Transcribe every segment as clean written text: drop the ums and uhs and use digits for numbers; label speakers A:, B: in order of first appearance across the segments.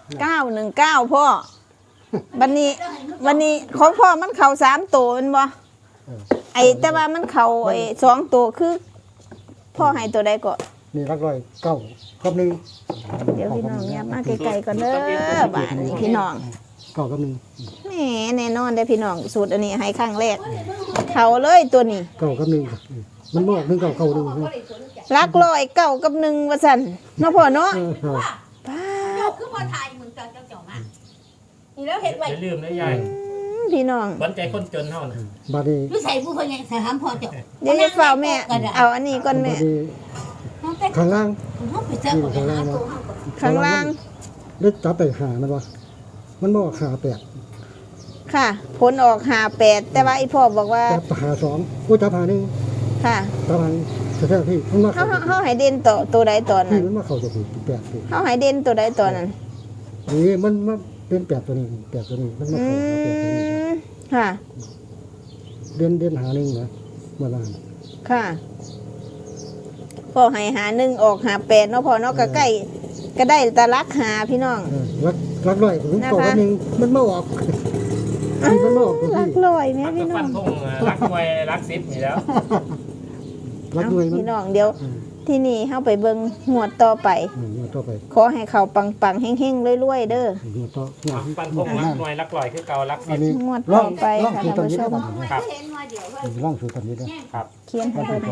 A: 919พ่อวันนี้ของพ่อมันเข่า3ตัวมันบ่ไอ้แต่ว่ามันเข่าไอ้2ตัวคือพ่อให้ตัวใดก็
B: นี่รักร้อยเก้ากับหนึ่ง
A: เดี๋ยวพี่น้องเนี่ยมาไกลๆก่อนเด้อบ้านนี้พี่น้อง
B: เก้ากับหนึ่ง
A: แหมแน่นอนได้พี่น้องสูตรอันนี้ให้ครั้งแรกเขาเลยตัวนี้
B: เก้ากับหนึ่งมันบอกหนึ่งเก้าหนึ่ง
A: รักร้อยเก้ากับ1ว่าซั่นเนาะพ่อเนาะป้า
C: คือบ่ทายมึงเจ้ามานี่แล้วเฮ็ดไว้
D: อย่าลืมนะยาย
A: พี่น้อง
D: หวังใจคนจนเฮาน่ะ
B: บัดนี้
C: อยู่ใส่ผู้เพิ่นใหญ่ใส่หำพ่อเจ้า
A: เดี๋ยวจะเฝ้าแม่เอาอันนี้ก่อนแม่
B: ข้างล่าง
C: เฮาไปเจอกับหาตัวเฮา
A: ข้างล่าง
B: ได้จับไปหามันบ่มันบอกหาแปด
A: ค่ะผลออก58แต่ว่าไอ้พ่อบอกว่า
B: จับหา2กูจับหา1
A: ค่ะ
B: จับหาแท้ๆพี่มันมา
A: เฮาให้เด่นตัวใดตอนนั้น
B: มันมาเข้าจะ8พี่
A: เฮาให้เด่นตัวใดตอนนั้น
B: นี่มันมาเป็น8ตัวนี้8ตัวนี้มันมาเข้า8ตัวนี้
A: ค่ะ
B: เด่นหา1นะเมื่อวาน
A: ค่ะพ่อให้หา1ออก58เนาะพ่อเนาะก็ใกล้ก็ได้ตะลักหาพี่น้อง
B: รักร้อยผมตกนึงมันมาออกมันมาออก
A: รักร้อยแม่พี่น้อง
D: รักมวยรัก10นี่แล้ว
B: รักด้วย
A: พี่น้องเดี๋ยวที่นี่เฮาไปเบิ่งงวดต่อไปขอให้เขาปังๆเฮงๆรวยๆเด้อ
D: ปันพงรักมวยรักร้อยคือเก่ารัก10
A: งวดต่อไปค่ะท่านผู้ชม
D: ครับ
B: ร่องสู่ตอนนี้ด้วย
D: ครับ
A: เขียนให้เพิ่น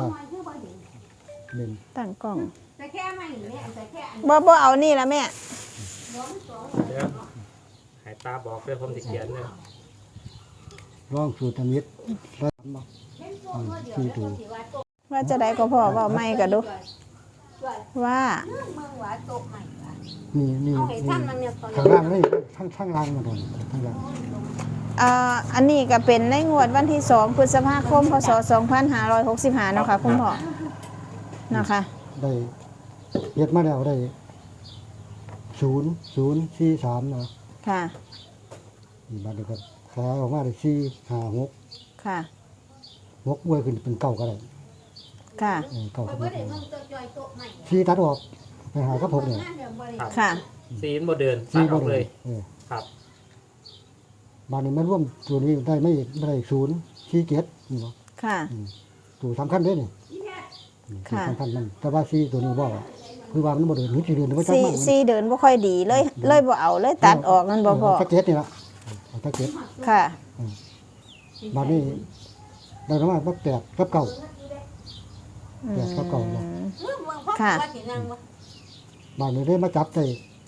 A: ตั้งกล้องบ่เอานี่ล่ะแม่
D: ให้ตาบอกเด้อผมสิเขียนเด้อ
B: ร่องสู่ตอนนี้แล้วบ่คือดู
A: ว่าจะได้ก็พอเว้าใหม่ก็ดูว่า
B: นี่ข้างล่างนี่ข้างล่างมาโดนข้างล่าง
A: อันนี้ก็เป็นในงวดวันที่2พฤษภาคมพศ2565เนาะค่ะคุณพ่อนะคะ
B: ได้เฮ็ดมาแล้วได้0043เนาะ
A: ค่ะ
B: บัดนี้ก็ขาออกมาได้456
A: ค่ะ
B: 6อวยขึ้นเป็น9ก็ได้
A: ค่ะ
B: 9ก็ได้4ตัดออกไปหากับ6เนี่ย
A: ค่ะ
D: 4บ่เดินตัดออกเลยครับ
B: บัดนี้มันรวมตัวนี้ได้047เนาะ
A: ค่ะ
B: ตัวสำคัญเด้นี่
A: ค่ะ
B: สำคัญมันแต่ว่า4ตัวนี้บ่คือว่ามันบ่เดินสิเดินบ่จักมัน
A: 4เดินบ่ค่อยดีเลยบ่เอาเลยตัดออกนั่นบ่พอ
B: ตะเก็ดนี่ล่ะตะเก็ด
A: ค่ะ
B: บัดนี้ได้ประมาณ8กับ9 8กับ9เนาะ
A: ค่ะ
B: บัดนี้ได้มาจับได้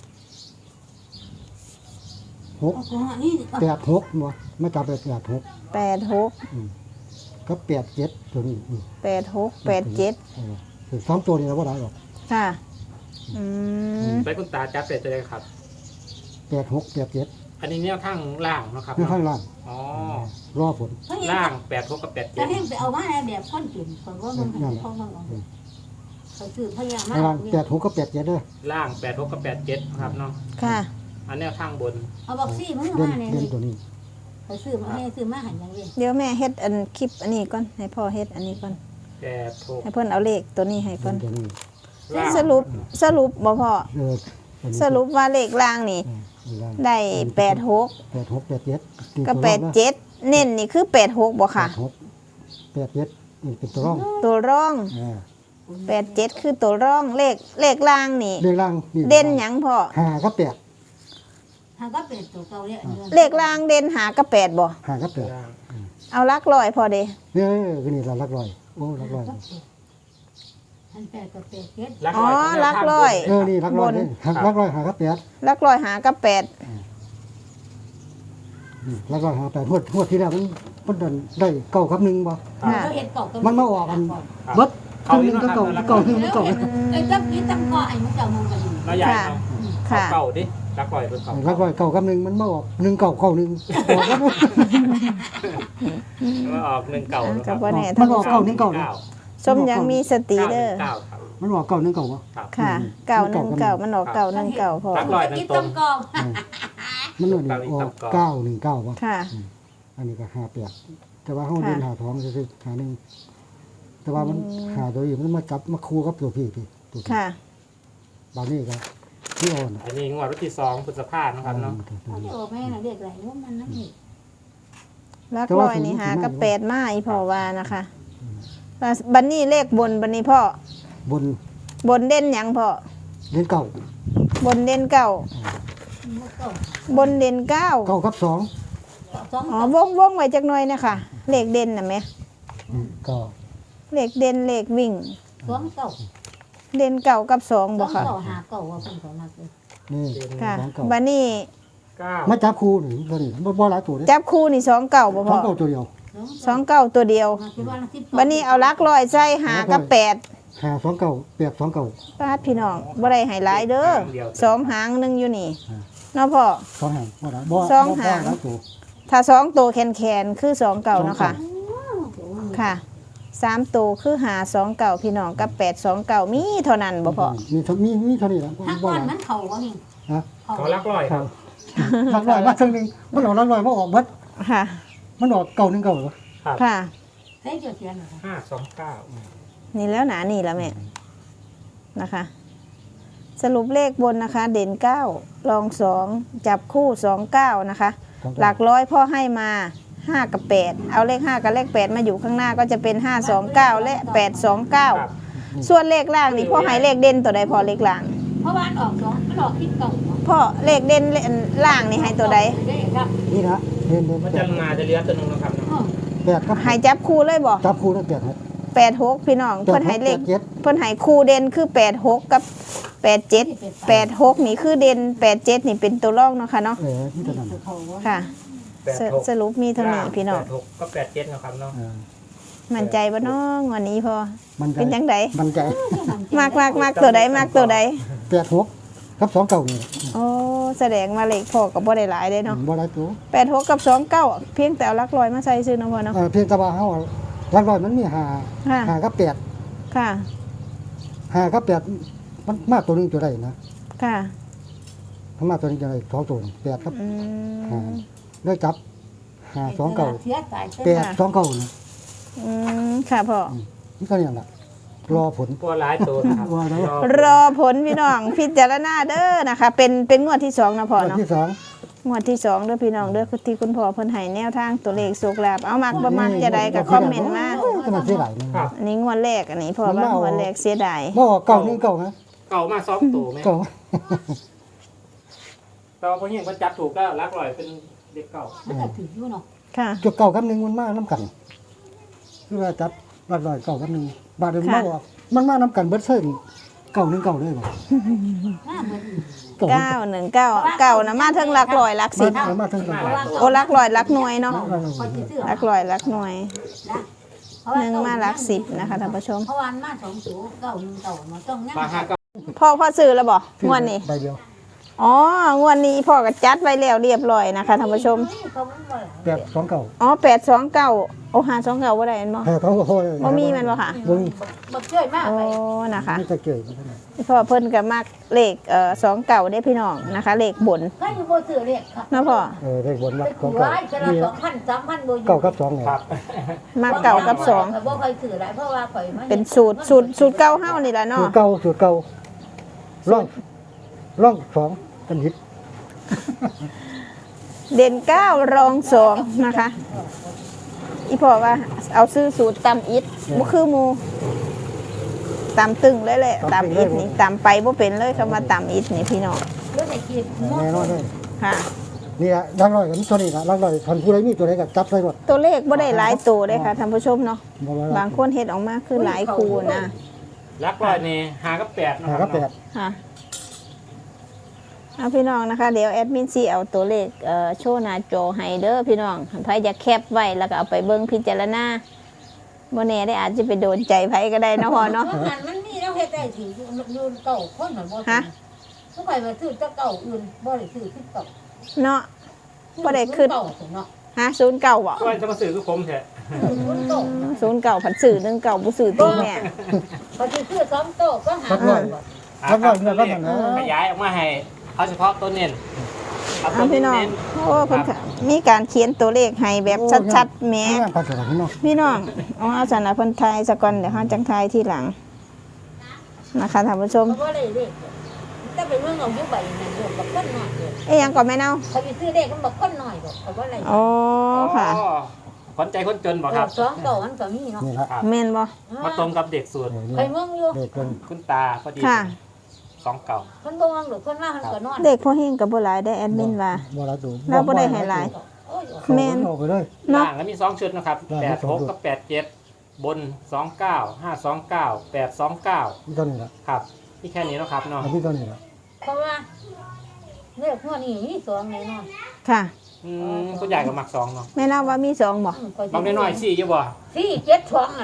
B: 6 8 6บ่มาจับได้8
A: 6
B: กับ87ตัวนี้
A: 8 6 8 7
B: คือ2ตัวนี้เราบ่ได้หรอก
A: ค่ะ
D: ไปคุณตาจับเป็ดเลยครับ
B: 8 6 8 7
D: อันนี้แนวทางล่างนะครับ
B: ข้างล่าง
D: อ๋อ
B: รอผล
D: ล่าง8 6กับ8 7
C: แต่ให้ไปเอามาแบบคนกินคนว่ามันพ่อเขาซื้อพญามา
B: ล่าง8 6กับ8 7เด้อ
D: ล่าง8 6กับ8 7ครับเนาะ
A: ค่ะ
D: อันแนวทางบน
C: เอาบอกซี่มันมาเนี่ย
B: ตัวนี้
C: เขาซื้อมาให้ซื้อมาหันอย่างนี้
A: เดี๋ยวแม่เฮ็ดอันคลิปอันนี้ก่อนให้พ่อเฮ็ดอันนี้ก่อน
D: 8 6
A: ให้เพิ่นเอาเลขตัวนี้ให้เพิ่นสรุปบ่พ่อสรุปว่าเลขล่างนี่ได้86
B: 8 6 8 7
A: กับ87เน้นนี่คือ86บ่ค่ะ
B: 8 7นี่เป็นตัวร่อง
A: 87คือตัวร่องเลขล่างนี่
B: เลขล่าง
A: เด่นหยังพ่อ
B: 5กับ8
C: 5กับ8ตัวเก่าเนี่ย
A: เลขล่างเด่น5กับ8บ่
B: 5กับ
A: 8เอาหลักร้อยพอเด้
B: คือนี่หลักร้อยโอ้หลักร้อย
C: 8กับ8 7
A: อ๋อหลักร้อย
B: นี่หลักร้อยหลักร้อย5กับ8
A: หลักร้อย5กับ8
B: หลักร้อย5 8งวดที่แล้วมันได้9กับ1บ่มันมาออกกันเบิด1กับ9 1กับ9
C: ไอ้จับนี้ตั้งก่อไอ้มันเจ้ามองกันอยู่
D: แล้วใหญ่เนาะค่ะเก่าดิรักร้อยเพิ่น
B: เก่ารักร้อย9กับ1มันมาออก1 9 9 1ออกแล้ว
D: มาออก1 9
A: ครับ
B: มันออก9 1 9
A: สมยังมีสติเด้อ
B: มันออก9 1 9บ่
A: ค่ะ919มันออก919พอ
D: รักร้อยนึงตรง
B: มันออก919บ่
A: ค่ะ
B: อันนี้ก็58แต่ว่าเฮาเดินหาท้องซื่อๆหา1แต่ว่ามันหาตัวอยู่มันมาจับมาคู่กับตัวพี่ตัว
A: ค่ะ
B: บางนี้ก็ที่อ่อน
D: อันนี้งวดวันที่2พฤษภาคมนะครับเนาะ
C: เขาจะเอาแม่น่ะเด็กไหลว่ามันนั่นนี่
A: ลักลอยนี่หากับแปดมาอีพ่อว่านะคะบันนี้เลขบนบันนี้พ่อบ
B: น
A: บนเด่นหยังพ่อ
B: เล่นเก่า
A: บนเด่นเก้า
C: มันก็
A: บนเด่นเก้า
B: เก่ากับสอง
C: สอง
A: อ๋อวงไว้จักหน่อยนะคะเลขเด่นน่ะแม่
B: ก็
A: เลขเด่นเลขวิ่ง
C: สองเก่า
A: เด่นเก้ากับสอง
C: ส
A: บ่
C: อง
A: ค่ะ
C: เก่าหาเก่าว่าเป็นของนักเลย
B: นี่
A: ค่ะ
B: สองเก่า
A: บันนี้
D: 9
B: มาจับคู่นี่ตัวนี้บ่หลายตัวเด้
A: จับคู่นี่สองเก้าบ่
B: ส
A: พ่
B: อ
A: อง
B: เก่าตัวเดียว
A: สองเก้าตัวเดียวบันนี้เอาลักลอยใส่หากับแปด
B: หาสองเก่าแปดสองเก่า
A: ปาดพี่น้องบ่ได้ให้หลายเด้อสองหางหนึงอยู่นี่เนาะพ่อ
B: สองหางบ่หลายบ่
A: สองหาง
B: บ่หลายตัว
A: ถ้าสองตัวแคนคือสองเก่าเนาะค่ะ ค่ะสามตัวคือหาสองเก่าพี่น้องกับแปดสองเก่ามีเท่านั้นบ่พอ
B: มีเท่านี้แหละ
C: ถ้า
B: บ่
C: ก้อ
B: ห
C: น
B: ลาย
C: มันเข่าว่านี่
B: ฮะ
D: เขาลักลอย
B: ค
D: ค
B: รั
D: รั
B: บบ ลักลอยมาครึ่งหนึงมันออกลักลอยมาออกเบิด
A: ค่ะ
B: มันออกเก่าหนึงเก่าเหรอ
D: ครับ
A: ค่ะ
C: ใช้เจียวเทียนเหรอ
D: 529
A: นี่แล้วหนานี่แล้วแม่นะคะ สรุปเลขบนนะคะ เด่นเก้ารองสองจับคู่สองเก้านะคะ หลักร้อยพ่อให้มาห้ากับแปดเอาเลขห้ากับเลขแปดมาอยู่ข้างหน้าก็จะเป็น529และ829ส่วนเลขล่างนี่พ่อให้เลขเด่นตัวใดพอเลขล่าง
C: เพราะว่าออกสองมันออกคิดเก่า
A: พ่อเลขเด่นล่างนี่ให้ตัวใด
C: ได้ครับ
B: นี่นะเดิน
D: มันจะมาจะเลี้ยงตัวหนึงนะครับเนาะ
B: แปดครับ
A: ให้จับคู่เลยบ่
B: จับคู่แล้วแปดครับ
A: 86พี่น้องเพิ่นให้เลข
B: แปดเจ็ด
A: เพิ่นให้คู่เด่นคือ86กับ87 86นี่คือเด่น87นี่เป็นตัวรองเนาะค่ะเนาะ
B: นี่ตัวนั้น
C: เขาว่า
A: ค่ะสรุปมีเท่านี้พี่น้อง
D: 86ก็87นะครับเนาะ
A: มั่นใจบ่น้องวันนี้พอ
B: มันใจ
A: เป็นจังได
B: มันใจ
A: มากตัวใดมากตัวใด
B: แปดหกกับสองเก่านี่
A: โอ้แสดงว่าเลขพ่อก็บ่ได้หลายเด้เนาะ
B: บ่หลายตัว
A: 86กับ29เพียงแต่เอาหลักร้อยมาใส่ซื่อเนาะพ่อเนาะ
B: เพียงแต่ว่าเฮาลักลอยมันมีหา
A: ค่ะ
B: หากับแปด
A: ค่ะ
B: หากับแปดมันมากตัวหนึงตัวใดนะ
A: ค่ะ
B: มันมากตัวหนึงตัวใดสองตัวแปดครับ
A: อื
B: หาม ได้จับหาสองเก่า
C: เสียตาย
B: แปดสองเก่านี่
A: ค่ะพ่อ
B: นี่ก็เนี่ยแหละรอผล
D: ตัวหลายตัวนะครับ
B: ว่าแล้ว
A: รอผลพี่น้องพิจารณาเด้อนะคะ เป็นงวดที่2นะพ่อ
B: วัน
A: เนาะ
B: ที่สอง
A: งวดที่2เด้อพี่น้องเด้อที่คุณพ่อเพิ่นให้แนวทางตัวเลขสุกลาบเอามักประมาณจะได้ก็คอมเมนต์มา
B: ก็มันเสียหลายนี่
D: ครับ
A: อันนี้งวดแรกอันนี้พ่อว่างวดแรกเสียดาย
B: บ่เก่านี่เก่านะ
D: เก่ามา2ตัวไหม
B: เก่า
D: แต่ว่าพอเห็นเขาจับถูกก็ลักลอยเป็นเด็กเก่า
C: มันก็ถืออยู่เนาะ
A: ค่ะ
B: จุดเก่ากับหนึงมันมาน้ำกันคือว่าจับลักลอยเก่ากับหนึงบาดเดียวมันมาออกมันมาน้ำกันเบิดเส้นเก่าหนึงเก่าเลยบ่
C: หน้าเหมือน
B: เก่า
A: 919นะมาเทิงหลักร้อยหลักสิบ
B: มาทั้งกัน
A: โอ้หลักร้อยหลักหน่วยเนาะ
C: คนที่ซื้อ
A: หลักร้อยหลักหน่วยหนึ่งมาหลักสิบนะคะท่านผู้ชม
C: เพราะวันมาสองตัวเก่าหนึ่งเก่ามาต้องงั้น
D: มา5ก็
A: พ่อซื้อแล้วบ่งวดนี้
B: ใบเดียว
A: อ๋องวดนี้พ่อก็จัดไว้แล้วเรียบร้อยนะคะท่านผู้ชม
C: เขาไม่มา
B: แปดสองเก่า
A: อ๋อ829โอ้529บ่ได้แม่นบ่
B: ให้เขาโอ้ย
A: บ่มีแม่นบ่ค่ะ
B: บ่มี
C: บักช่วยมาก
A: โอ้
C: ไป
A: นะคะ
B: ไม่จะเกี่ยวกันเท่านั้น
A: พ่อเพิ่นก็มักเลข29เด้พี่น้องนะคะเลขบน
C: ก็อยู่บ่ซื้อเรียกครับ
A: นะพ่อ
B: เลขบน
C: ไป
B: มาขอ
C: ขู่
B: งเก่า
C: ร้ายจะละ
B: นี่
C: 2,000 3,000บ่อยู่
B: เก่ากับสองไง
D: ครับ
A: มักเก่ากับสอง
C: บ่ค่อยซื้อหลายเพราะว่าข่อยมา
A: เป็นสูตรเก่าเฮานี่ล่ะ
B: สู
A: เนาะ
B: ตรเก่าร่องสองกันหิด
A: เด่น9รอง2นะคะอีพ่อว่าเอาซื้อสูตรตำอิดบ่คือหมู่ตำตึงเลยแหละตำอิดนี่ตำไปบ่เป็นเลยคำว่าตำอิดนี่พี่น้อง
C: เรื่องไหนกิน
B: แน่นอนเลย
A: ค่ะ
B: นี่ละลักลอยกันตัวนี้ละลักลอยทันผู้ใดมีตัวใดก็จับใส่หมด
A: ตัวเลขบ่ได้หลายตัวเด้ค่ะท่านผู้ชมเนาะ
B: บ่ว่า
A: บางคนเฮ็ดออกมาคือหลายคูนะ
D: ลักลอยนี่5กับ8นะ
B: หา
D: ค
B: กั
D: รั
B: บบ แปด
A: ค่ะเอาพี่น้องนะคะ เดี๋ยวแอดมินซีเอาตัวเลขโชว์หน้าจอให้เด้อพี่น้องไผจะแคปไว้แล้วก็เอาไปเบิ่งพิจารณาบ่แน่ได้อาจจะไปโดนใจไผก็ได้เนาะพ่อเนาะ
C: มันมีแล้วเฮ็ดได้สิอยู่เก่าคนเหมือนบ่
A: ฮะ
C: ผู้ใครมาซื้อจะเก่าอื่นบ่ได้ซื้อขึ้นเก่า
A: เนาะบ่ได้ขึ้น
C: เก่าเนาะ
A: ฮะ09บ่
D: ก็จะมาสื่อคือผมแท้
C: ขึ้นเก่า
A: 09ผัดสื่อ19บ่สื่อติแม่
C: พอซื้อ2โต๊ะก็หา
B: ลักลอย ลักลอยเนี่ยก็อย่างนั้น
D: ขยายออกมาให้เอาเฉพาะตัวเน้นเอาตั
A: เอา
D: ว
A: พี่น้อง
D: เน้น
A: โอ้เพิ่นก็มีการเขียนตัวเลขให้แบบชัดๆแหม
B: งานภาษาพี่น้อง
A: พี่น้องเอาสันนะเพิ่นทายสะก่อนเดี๋ยวเฮาจังทายทีหลังนะคะท่านผู้ชม
C: บ่ได้เลขแต่ไปเมืองเอาอยู่ใบนั่นเด้อบักคนน้อยเด้อ
A: เอ้ยยังก่อนแม่เนา
C: เขาไปซื้อเลขมันบักคนน้อยดอกเขาบ่ไร
A: อ๋อค่ะ
D: ขวัญใจคนจนบ่ครับ
C: สองเก่ามันก็มีเนาะ
B: นี่ละ
D: ครับ
A: แม่นบ่
D: มาตรงกับเด็กสูตร
C: ไปเมืองอยู่
B: เด็กเกิน
D: คุณตาพอดี
A: ค่ะ
D: สองเก่า
C: เพิ่นบ่วางดอกเพิ่นมาเพิ่นก็นอน
A: เด็กพ่อเฮงก็บ่หลายได้แอดมินว่า
B: บ่ละดู
A: เราบ่ได้ให้หลาย
C: โอ้ย
A: แม่น
B: เอาไปเลย
A: เนาะ
D: ล่างแล้วมี2ชุดนะครับ
B: ล่างมีสองชุด
D: 86กับ87บน29 529 829
B: นี่เท่านี้ละ
D: ครับที่แค่นี้เนาะครับเนาะ
B: อันนี้เท่านี้ละ
C: เพราะว่าเลขหัวนี่มี2แน่นอน
A: ค่ะ
D: คุณยายก็มัก2เนาะ
A: แม่เนาว่ามี2บ่
D: บางน้อยๆ4อยู่บ่
C: สี่เจ็ดสองอะไร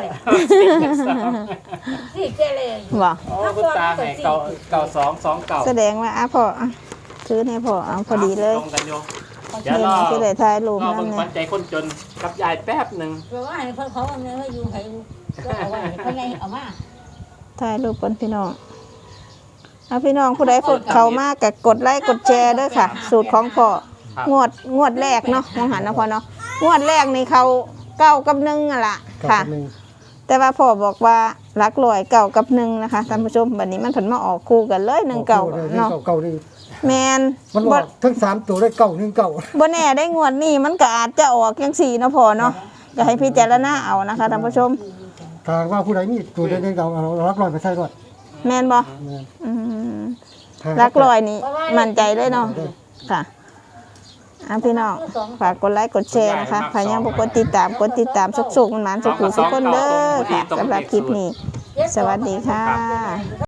C: สี่เจ็ดเลย
A: บ่
D: โอ้คุณตาให้เก่า2 2เก่า
A: แสดงว่าพ่อซื้อให้พ่อเอาพอดีเลย
D: ตรงกันอยู่
A: เดี๋ยวสิได้ถ่ายรูป
D: รอ
A: นั่
D: เบิ่
A: น
D: ง
A: แห
D: ขวั
A: ละ
D: ญใจคนจนกับยายแป๊บหนึง
C: เพราะว่าให้เขาเอาเงินให้อยู่ให้ก็เอาไว้เขาไงเอามา
A: ถ่ายรูปก่อนพี่น้องเอาพี่น้องผู้ใดกดเข้ามาก็กดไลค์กดแชร์เด้อค่ะ สูตรของพ่อ
D: ครับ
A: งวดแรกเนาะมองหันนะพ่อเนาะงวดแรกนี่เขา9 กับ 1อ่ะล่ะ
B: เก้า
A: ค่ะ
B: กับหนึ่ง
A: แต่ว่าพ่อบอกว่ารักลอย9 กับ 1นะคะท่านผู้ชมบัดนี้มันผลมาออกคู่กันเลย1 เก่าเนาะ
B: เก่านี่
A: แมน
B: มันอ
A: บ่
B: อกทั้ง3ตัวได้เก่า1เก่า
A: บ่แน่ได้งวดนี้มันก็อาจจะออกจังซี่เนาะพ่อเนาะก็ให้พิจารณาเอานะคะท่านผู้ชม
B: ถ้าว่าผู้ใดมีตัวใดๆเก่าเอารักร้อยไปใส่ก่อน
A: แมนบ่
B: แม่น
A: อืม
B: ถ้า
A: รักลอยนี่มั่นใจเลยเนาะค่ะอ่ะพี่น้องฝากกดไลค์กดแชร์นะคะใครยังบ่กดติดตามสุกๆมันหมานสุขุสุกคนเด้อค่ะสำหรับคลิปนี้ สวัสดีค่ะ